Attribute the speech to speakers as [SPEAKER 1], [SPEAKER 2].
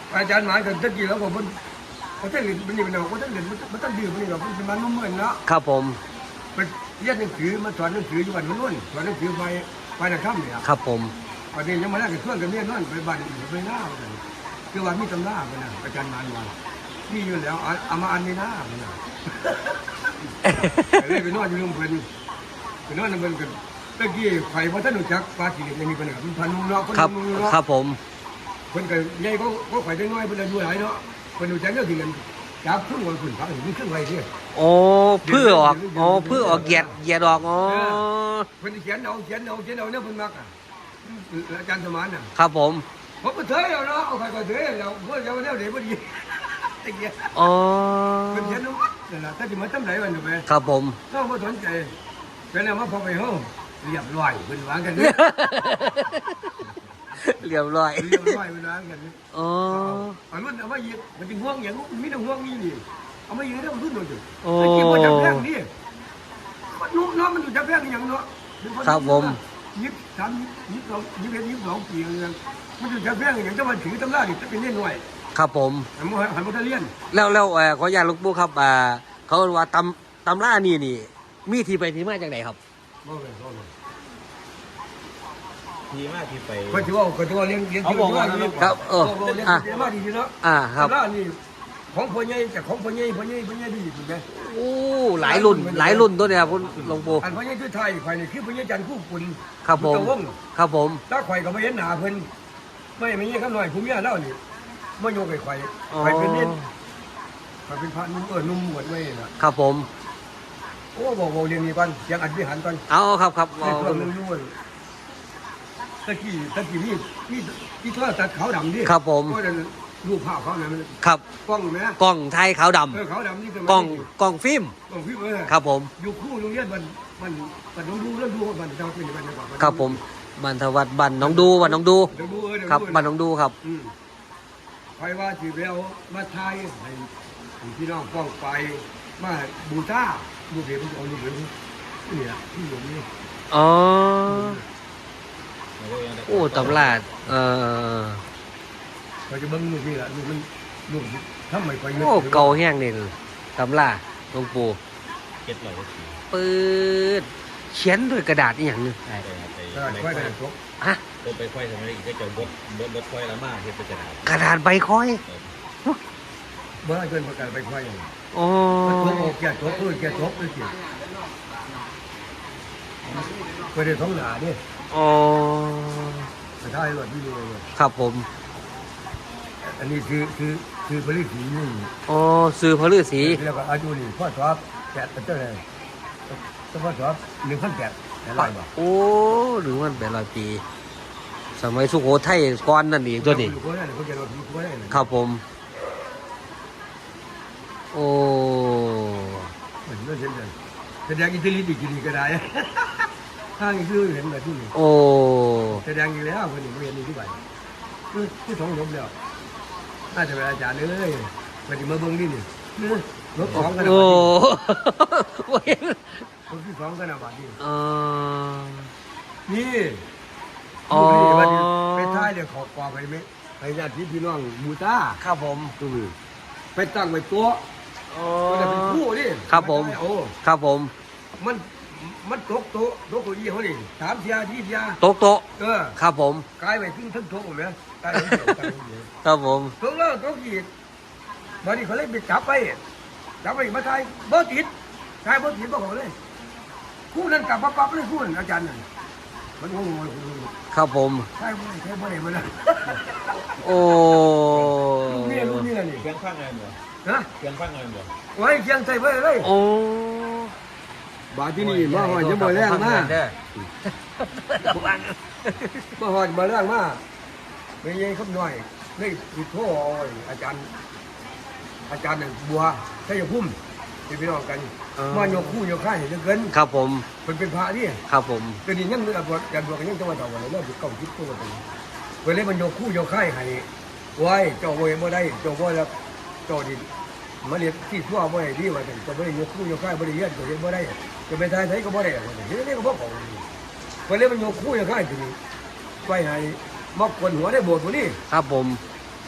[SPEAKER 1] อาจารย์หมายถึงตะกี้แล้วผมเขาจะเรียนมันนี่มันเอาเขาจะเรียนมันต้องดื่มมันนี่หรอกมันเป็นมันนุ่มเหมือนนะครับ
[SPEAKER 2] ผม
[SPEAKER 1] เป็นเรียนหนังสือมาสอนหนังสืออยู่วันมันนู่นสอนหนังสือไปในค่ำเนี่ย
[SPEAKER 2] ครับผม
[SPEAKER 1] วันนี้ยังมาได้กับเพื่อนกันเนี่ยนั่นไปบ้านไปหน้ากันคือว่ามีตำราไปนะอาจารย์หมายว่ามีอยู่แล้วเอามาอันในหน้าไปนะเลยไปนอนอยู่โรงเรียนไปนอนนั่นเป็นกันตะกี้ไข่พอท่านรู้จักปลาจีนยังมีปัญหาเป็นพันนุ่มเนาะ
[SPEAKER 2] ครับครับผม
[SPEAKER 1] คนกันใหญ่ก็ไข่ได้น้อยเป็นอายุหลายเนาะคนรู้จักเรื่องที่กันจับครึ่งวันคุณพักถึงครึ่งวันเนี่ย
[SPEAKER 2] โอ้เพื่อออกอ๋อเพื่อออกเหยียดออกอ๋อ
[SPEAKER 1] คนเขียนเอาเนี่ยเพิ่นมักอ่ะอาจารย์สมานน่ะ
[SPEAKER 2] ครับผม
[SPEAKER 1] ผมก็เถยเอาเนาะเอาใครก็เถยเราเพื่อจะเอาแนวเดี๋ยวพอดีไอ้เงี้ย
[SPEAKER 2] อ๋อ
[SPEAKER 1] คนเขียนเอานั่นแหละถ้าจะมาทำไหนวันหนึ่งไป
[SPEAKER 2] ครับผม
[SPEAKER 1] ต้องมาสนใจเป็นอะไรมาพอไปห้องเรียบร้อยเป็นวางกันเนี่ย
[SPEAKER 2] เรียบร้อย
[SPEAKER 1] เรียบร้อยเป็นวางกันเนี่ย
[SPEAKER 2] อ๋อ
[SPEAKER 1] เอารุ่นเอามายืดมันจะห่วงอย่างมีแต่ห่วงนี่นี่เอามายืดได้มันรุ่นหน่อยจุด
[SPEAKER 2] โอ้
[SPEAKER 1] ไอ้ที่มันจับแพงนี่มันนุ่มเนาะมันอยู่จับแพงอย่างเนาะ
[SPEAKER 2] ครับผม
[SPEAKER 1] 22 ปีเลยมันอยู่จับแพงอย่างจะมาถือตำราดิจะเป็นเล่นหน่วย
[SPEAKER 2] ครับผม
[SPEAKER 1] หันมาเรียน
[SPEAKER 2] แล้วขออนุญาตหลูกปู่ครับเขาว่าตำรานี่มีที่ไปที่มาจากไหนครับ
[SPEAKER 1] บ่เลย
[SPEAKER 3] ทีมากที่ไป
[SPEAKER 1] ก็ถือว่าเรียน
[SPEAKER 2] ครับ
[SPEAKER 1] เรียนมาดีเนาะ
[SPEAKER 2] ครับ
[SPEAKER 1] ตำรานี่ของพ่อใหญ่แต่ของพ่อใหญ่ดีถูกไหม
[SPEAKER 2] โอ้หลายรุ่นตัวเนี่ยครับคุณหลวงปู่
[SPEAKER 1] อันพ่อใหญ่คือไทยไข่นี่คือพ่อใหญ่จันทร์คู่คุณ
[SPEAKER 2] ครับผมครับผม
[SPEAKER 1] ถ้าไข่ก็ไม่เห็นหนาเพิ่นไม่เงี้ยข้างหน่อยผมเมียเล่านี่ไม่โยกไข่เป็นเน้นไข่เป็นพระนุ่มหมดไว้นะครับ
[SPEAKER 2] ผม
[SPEAKER 1] โอ้บอกเรียนนี่ก่อนยังอัดวิหารก่อน
[SPEAKER 2] เอาครับ
[SPEAKER 1] ในช่วงนึงด้วยตะกี้นี่โทรศัพท์ขาวดำดิ
[SPEAKER 2] ครับผม
[SPEAKER 1] ก็จะรูปภาพเขาเนี่ยมัน
[SPEAKER 2] ครับ
[SPEAKER 1] กล้องไหม
[SPEAKER 2] กล้องไทยขาวดำ
[SPEAKER 1] ขาวดำนี่คื
[SPEAKER 2] กล้องฟิล์ม
[SPEAKER 1] กล้องฟิล์ม
[SPEAKER 2] ครับผม
[SPEAKER 1] อยู่คู่โรงเรียนมันต้องดูมันจะเป็นยังไงก่อน
[SPEAKER 2] ครับผมบันทวัดบันน้องดูบันน้องดู
[SPEAKER 1] เดี๋ยวดู
[SPEAKER 2] ครับบันน้องดูครับ
[SPEAKER 1] ใครว่าจีเบลมาไทยให้พี่น้องป้องไปมาบูชาบูเบลมันจะเอาลูกเบลนี่แหละที่อยู่นี่
[SPEAKER 2] อ๋อโอ้ตำรา
[SPEAKER 1] เราจะเบิ้งลูกนี่แหละลูกมันลูกทำไมไป
[SPEAKER 2] โอ้เก่าแห้งนี่ตำราหลวงปู่
[SPEAKER 3] เก็ตเราก็ขี่
[SPEAKER 2] ปืดเขียนด้วยกระดาษอีกอย่างหนึง
[SPEAKER 3] ใช่ครับไป
[SPEAKER 1] ก็ค่อยได้จบ
[SPEAKER 2] ฮะ
[SPEAKER 3] รถไปค่อยทำอะไรอีกก็จะบดค่อยละมากที่เป็นกระดาษ
[SPEAKER 2] กระดาษใบคอย
[SPEAKER 1] เมื่อเกินประกาศไปค่อยอย่าง
[SPEAKER 2] อ๋อ
[SPEAKER 1] มันโอแก่จบแก่จบเลยสิไปได้ท้องหนาดิ
[SPEAKER 2] อ๋อ
[SPEAKER 1] แต่ถ้าให้หลอดที่ดูเลย
[SPEAKER 2] ครับผม
[SPEAKER 1] อันนี้คือผลิตสีนี่
[SPEAKER 2] อ๋อสื่อพระฤาษี
[SPEAKER 1] แล้วก็อายุนี่พ่อชอบแกะเป็นเจ้าเลยพ่อชอบ1,800แต่ลายบ่
[SPEAKER 2] โอ้หรือมันเป็น100 ปี สมัยสุโขทัยก่อนนั่นเองตัวนี้
[SPEAKER 1] เขาได้เขาจะรอผีเขาได้
[SPEAKER 2] ครับผม โอ้
[SPEAKER 1] เหมือนเรื่องเช่นกันแสดงอินเทลิจดีก็ได้ทางอีกเรื่องเห็นแบบที่นี่
[SPEAKER 2] โอ้
[SPEAKER 1] แสดงอีกแล้วคนนี้เรียนนี่ที่ไหนคือท้องลบแล้วน่าจะเป็นอาจารย์เลยมันจะมาเบิ้งนี่ลบ2กันนะ
[SPEAKER 2] โอ้
[SPEAKER 1] ลบที่2กันนะบัดนี้
[SPEAKER 2] อ๋อ
[SPEAKER 1] นี่
[SPEAKER 2] อ๋อ
[SPEAKER 1] ไปท้ายเดี๋ยวขอกว่าไปไหมไปญาติพี่น้องบูตา
[SPEAKER 2] ครับผม
[SPEAKER 1] ตู้ไปตั้งไว้ตัว
[SPEAKER 2] อ๋อ
[SPEAKER 1] มันจะเป็นคู่ดิ
[SPEAKER 2] ครับผม
[SPEAKER 1] โอ้
[SPEAKER 2] ครับผม
[SPEAKER 1] มันตกโต๊ะเก้าอี้เขาดิ3 เทียที่เทีย
[SPEAKER 2] โต๊ะโต๊ะ ครับผม
[SPEAKER 1] กลายไปถึงทั้งโต๊ะหมดไหมกลายเป็นเดียวกลายเป็นเดียว
[SPEAKER 2] ครับผม
[SPEAKER 1] โต๊ะแล้วโต๊ะกี่บัดนี้เขาเลยไปจับไปมาทายบ่ติดทายบ่ติดบ่ของเลยคู่นั้นกลับมาปั๊บเลยคู่นั้นอาจารย์นั่นมันงง
[SPEAKER 2] ครับผม
[SPEAKER 1] ใช่บ่ได้มาแล้ว
[SPEAKER 2] โอ้
[SPEAKER 1] ลูกนี่แหละนี่
[SPEAKER 3] เครื่องฟังอะไรบ่
[SPEAKER 1] ฮะ
[SPEAKER 3] เครื่องฟังอะไรบ่
[SPEAKER 1] ไว้เคียงใส่ไว้เลย
[SPEAKER 2] โอ้
[SPEAKER 1] บาดที่นี่มาหอดจะบ่แรงมามาหอดมาแรงมาไม่ยังคำน้อยนี่อีโทอาจารย์นั่นบัวใช่ยพุ่มเป็นพี่น้องกันมาโยกคู่โยกข้าเห็นเกิน
[SPEAKER 2] ครับผม
[SPEAKER 1] เป็นพระนี่
[SPEAKER 2] ครับผม
[SPEAKER 1] ก็ดียังบวชกันบวชกันยังจังหวัดต่างกันเลยเริ่มเก่าคิดตัวกันเวลามันโยกคู่โยกข้าให้ไว้เจ้าเวยบ่ได้เจ้าบ่แล้วเจ้าดิมาเรียนที่ทั่วบ่ได้ดีว่าเจ้าบ่ได้โยกคู่โยกข้าบ่ได้เรียนเจ้าเรียนบ่ได้จะไปทายไทยก็บ่ได้เดี๋ยวนี้ก็บ่ของเวลามันโยกคู่โยกข้าทีนี้ไว้ให้มอกคนหัวได้โบสถ์บ่นี่
[SPEAKER 2] ครับผม
[SPEAKER 1] เ